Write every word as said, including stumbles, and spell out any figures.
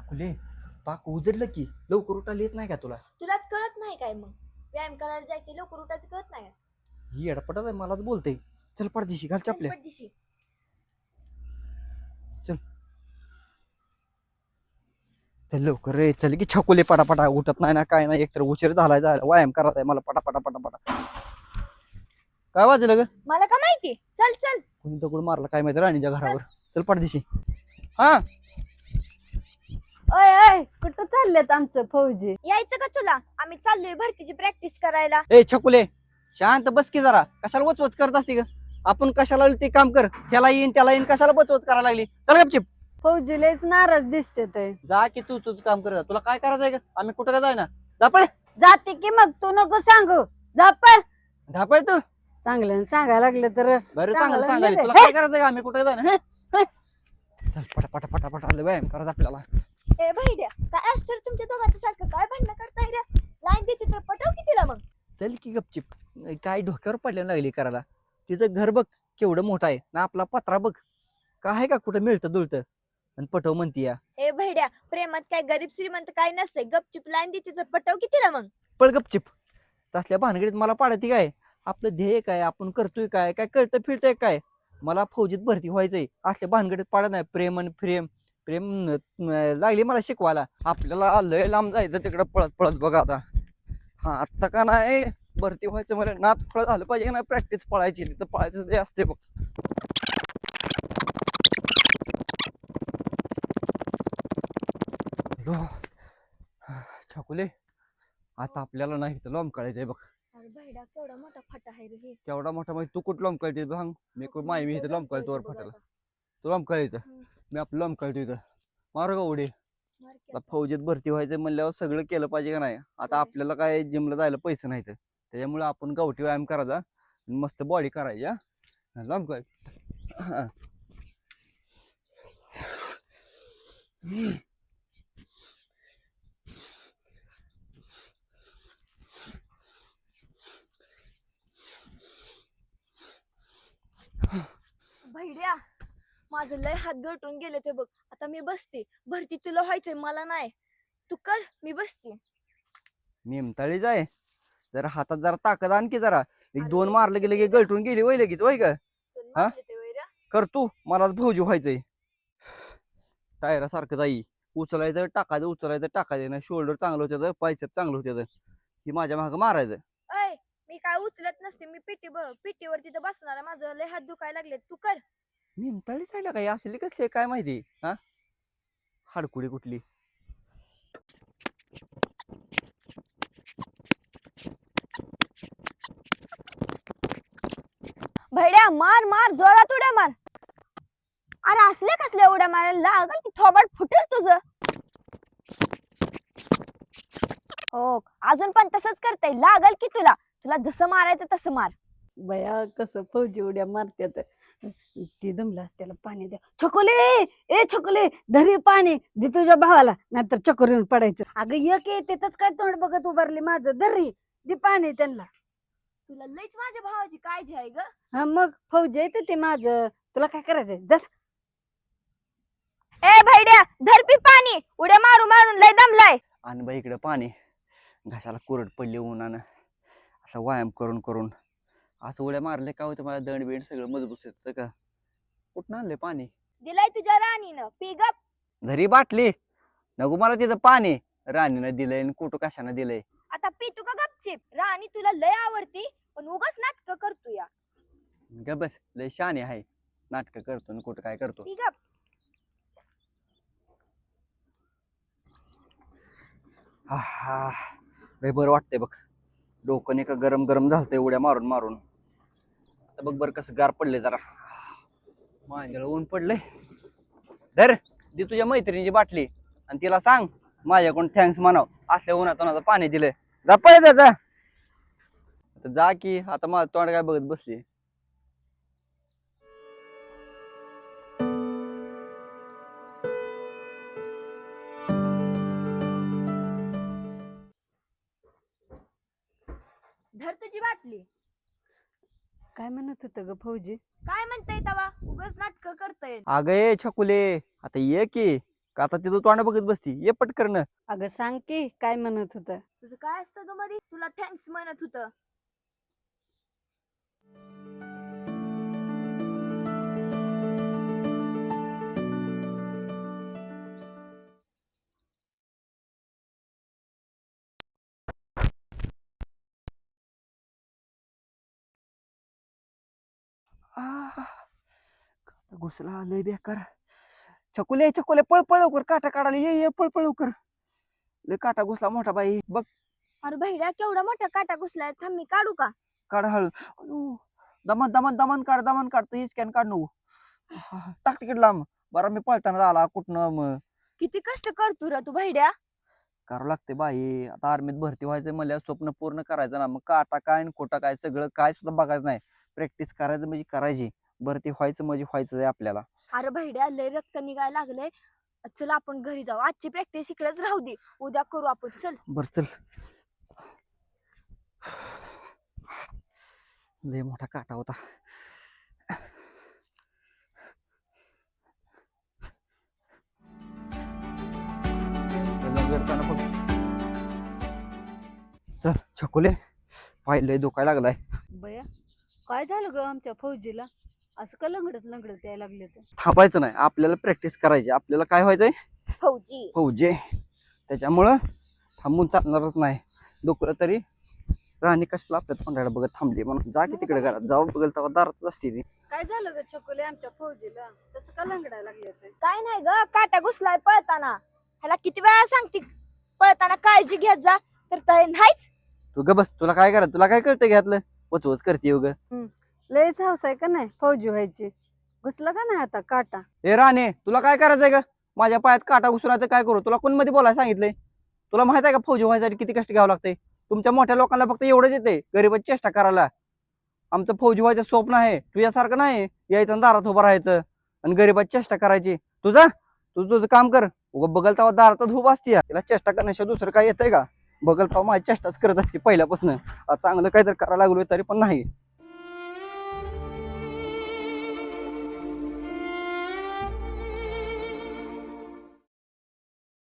छकुले पाक उजडलं की लवकर उठायला येत नाही का तुला? तुलाच कळत नाही काय मग? व्यायाम करायला जायचे लवकर उठायचं कळत नाही का? ही अडपटात आहे मलाच बोलते. चल पडदिशी घाल चपल्या. चल पटदिशी. चल चल लवकर रे चल की छकुले पटापटा उठत नाही ना काय नाही एकतर उशीर झालाय जायला व्यायाम करायचा आहे मला पटापटा पटापटा. काय वाजलं ग? मला का माहिती? चल चल. कोणी दगड मारला काय माहिती राणीच्या घरावर. चल पडदिशी. हा ओय ओय कुठं चाललेत आमचं फौजी? यायचं का तुला? आम्ही चाललोय भरतीची प्रॅक्टिस करायला. ए छकुले शांत बस की जरा कशाला वचवच करत असते ग? आपण कशाला ते काम कर ह्याला येईन त्याला येईन कशाला वचवच करायला लागली? चल गपचिप. फौजी लयच नाराज दिसते ते. जा की तू तुझं काम कर तुला काय करायचंय का? आम्ही कुठं का जायना जा पळ. जाते की मग तू नको सांगू. जा पण. धापळ तू चांगलं सांगायला लागलं तर बरं चांगलं चांगलं सांगायला तुला नाही काय करायचंय का? आम्ही कुठं जायना हे? हे? चल पटा पटा पटा पटा व्यायाम करायचा आपल्याला. ए भैड्या काय असतं तुमच्या दोघांचं सारखं काय भांडणं करताय रे? लाईन देते तर पटव की तिला मग. चल की गपचिप काय डोक्यावर पडल्यानं लागली करायला. तिचं घर बघ केवढं मोठं आहे ना आपला पत्रा बघ काय आहे का कुठं मिळतं दुळतं आणि पटव म्हणती या. ए भैड्या प्रेमात काय गरीब श्रीमंत काय नसतंय. गपचिप लाईन देते तर पटव की तिला मग. पळ गपचिप. तसल्या भानगडीत मला पाडती काय? आपलं ध्येय काय आपण करतोय काय काय कळतं फिरतंय काय? मला फौजीत भरती व्हायचंय असल्या भानगडीत पाडत नाही. प्रेम आणि प्रेम प्रेम न- लागली मला शिकवायला. आपल्याला लय लांब जायचं तिकडं पळत पळत बघा आता. हा आत्ता का नाही भरती व्हायचं मला नात फळ झालं पाहिजे का नाही प्रॅक्टिस पळायची तिथं पळायचं ते असते बघ. छकुले आता आपल्याला नाही तर लोंब काढायचंय बघ. अरे भैड्या केवढा मोठा फटा आहे रे हे. केवढा मोठा म्हणजे तू कुठं लोंब काढते सांग? मी कुठं माय मी इथं लोंब काढतो वर फाटाला. तू लोंब काढायचं मी आपलं लोंब काढतो इथं. मारू का उडी? आता फौजीत भरती व्हायचं म्हणल्यावर सगळं केलं पाहिजे का नाही? आता आपल्याला काय जिमला जायला पैसे नाहीत त्याच्यामुळे आपण गावठी व्यायाम करायचा आणि मस्त बॉडी करायची. हा लांब काय भैड्या माझं लय हात गळटून गेले ते बघ. आता मी बसते. भरती तुला व्हायचंय मला नाही. तू कर मी बसते. निमताळी जाय जरा हातात जरा ताकद आणखी जरा एक दोन मारलं गेलं की गळटून गेली वय लगेच वय का? हा कर तू मलाच फौजी व्हायचंय. टायरा सारखं जाई उचलायचं टाकायचं उचलायचं टाकायचं ना शोल्डर चांगलं होत्याचं पायचप चांगलं होत्याचं ही माझ्या मागं मारायचं. अय मी काय उचलत नसते. मी पिटी पिटीवर तिथं बसणार आहे. माझं लय हात दुखायला लागले. तू कर. निमताळी जायला काही असली कसली काय माहिती? हा हाडकुडी कुठली. भैड्या मार मार जोरात उड्या मार. अरे असले कसले उड्या मारायला लागल की थोबाड फुटेल तुझं. हो अजून पण तसंच करताय. लागल की तुला. तुला जसं मारायचं तसं मार. बया कसं फौजी उड्या मारत्यात. ती दमलास त्याला पाणी द्या. छकुले ए छकुले धरी पाणी दे तुझ्या भावाला नाहीतर चक्कर येऊन पडायचं. अगं एक येतेच काय तोंड बघत उभारली माझं. धरी दे पाणी त्यांना. तुला लईच माझ्या भावाची काळजी आहे ग. हा मग फौजी येते ते माझं. तुला काय करायचंय जा. ए भैड्या धर पी पाणी. उड्या मारू मारून लय दमलाय. आणि बाई इकडे पाणी घासाला कोरड पडली उन्हानं असं व्यायाम करून करून असं उड्या मारले का होतं मला दंड बिंड सगळं मजबूत येतं का? कुठं आणले पाणी? दिलाय तुझ्या राणीनं पी गप. घरी बाटली नको मला तिथं पाणी राणीनं दिलंय आणि कुठं कशानं दिलंय. आता पी तू का गपचिप. राणी तुला लय आवडती पण उगाच नाटक करतो या. ग बस लय शाने आहे नाटक करतो आणि कुठं काय करतो. पी गप. हा लय बरं वाटतंय बघ. डोकं नाही का गरम गरम झालतंय उड्या मारून मारून. आता बघ बरं कसं गार पडले जरा माझ्याला ऊन पडलंय. धर दे तुझ्या मैत्रिणीची बाटली आणि तिला सांग माझ्याकडून थँक्स म्हणाव असल्या उन्हात पाणी दिलंय. जा पळ जा आता जा की आता माझं तोंड काय बघत बसली. धर तुझी बाटली. काय म्हणत होतं ग फौजी? काय म्हणताय तवा उगाच नाटक करताय. अगं ये छकुले आता ये की का आता तिथं तोंड बघत बसती ये पटकन. अगं सांग की काय म्हणत होत. तुझं काय असतं ग मध्ये तुला थँक्स म्हणत होतं. आह, काटा घुसला लय बेकार. चकुले चकुले पळ पळ लवकर काटा काढायला ये ये पळ पळ लवकर. लय काटा घुसला मोठा बाई बघ. अरे भैड्या केवढा मोठा काटा घुसलाय थांब मी काढू का. काढ हळू. अयो, दमन दमन दमन काढ दमन काढ तू स्कॅन काढ नको. आह, टाक तिकीट लांब. बरं मी पळताना आला कुठनं मग. किती कष्ट करतो रे तू भैड्या. करावं लागते बाई आता आर्मीत भरती व्हायचं मला स्वप्न पूर्ण करायचं ना मग काटा काय आणि खोटा काय सगळं काय सुद्धा बघायचं नाही. प्रॅक्टिस करायचं म्हणजे करायची. भरती व्हायचं म्हणजे व्हायचं आहे आपल्याला. अरे भैड्या लय रक्त निघायला लागलंय. चल आपण घरी जाऊ आजची प्रॅक्टिस इकडेच राहू दे उद्या करू आपण चल. बर चल. लय मोठा काटा होता. करताना बघ. चल छकुले पाहिलंय दुखायला लागलाय. बया काय झालं ग आमच्या फौजीला असं का लंगडत लंगडत यायला लागले तर. थांबायचं नाही आपल्याला प्रॅक्टिस करायची. आपल्याला काय व्हायचंय फौजी. फौजे. त्याच्यामुळं थांबून चालणारच नाही. दुखलं तरी राणी कशाला आपल्या तोंडाला बघत थांबली म्हणून जा की तिकडे घरात जाऊ बघल तेव्हा दारातच असते ती. काय झालं ग छकुले आमच्या फौजीला तसं का लंगडायला लागले तर. काय नाही ग काटा घुसलाय पळताना. ह्याला किती वेळा सांगते पळताना काळजी घेत जा तर ते नाहीच. तू ग बस तुला काय करा तुला काय कळतं घ्यातलं वचवच करते उग. लयच हौस आहे का नाही फौजी व्हायची. घुसला का नाही आता काटा. ए राणे तुला काय करायचंय का माझ्या पायात काटा घुसला काय करू. तुला कोण मध्ये बोलायला सांगितलंय. तुला माहित आहे का फौजी व्हायसाठी किती कष्ट घ्यावं लागतंय. तुमच्या मोठ्या लोकांना फक्त एवढंच येते गरीबाची चेष्टा करायला. आमचं फौजी व्हायचं स्वप्न आहे तुझ्यासारखं नाही यायचं दारात उभं राहायचं आणि गरीबाची चेष्टा करायची. तुझा तू तुझं काम कर. उगा बघल तेव्हा दारातच उभा असते तिला चेष्टा करण्याशिवाय दुसरं काय येतंय का. बघल तेव्हा माझी चेष्टाच करत असते पहिल्यापासून. चांगलं काहीतरी करायला लागलोय तरी पण नाही.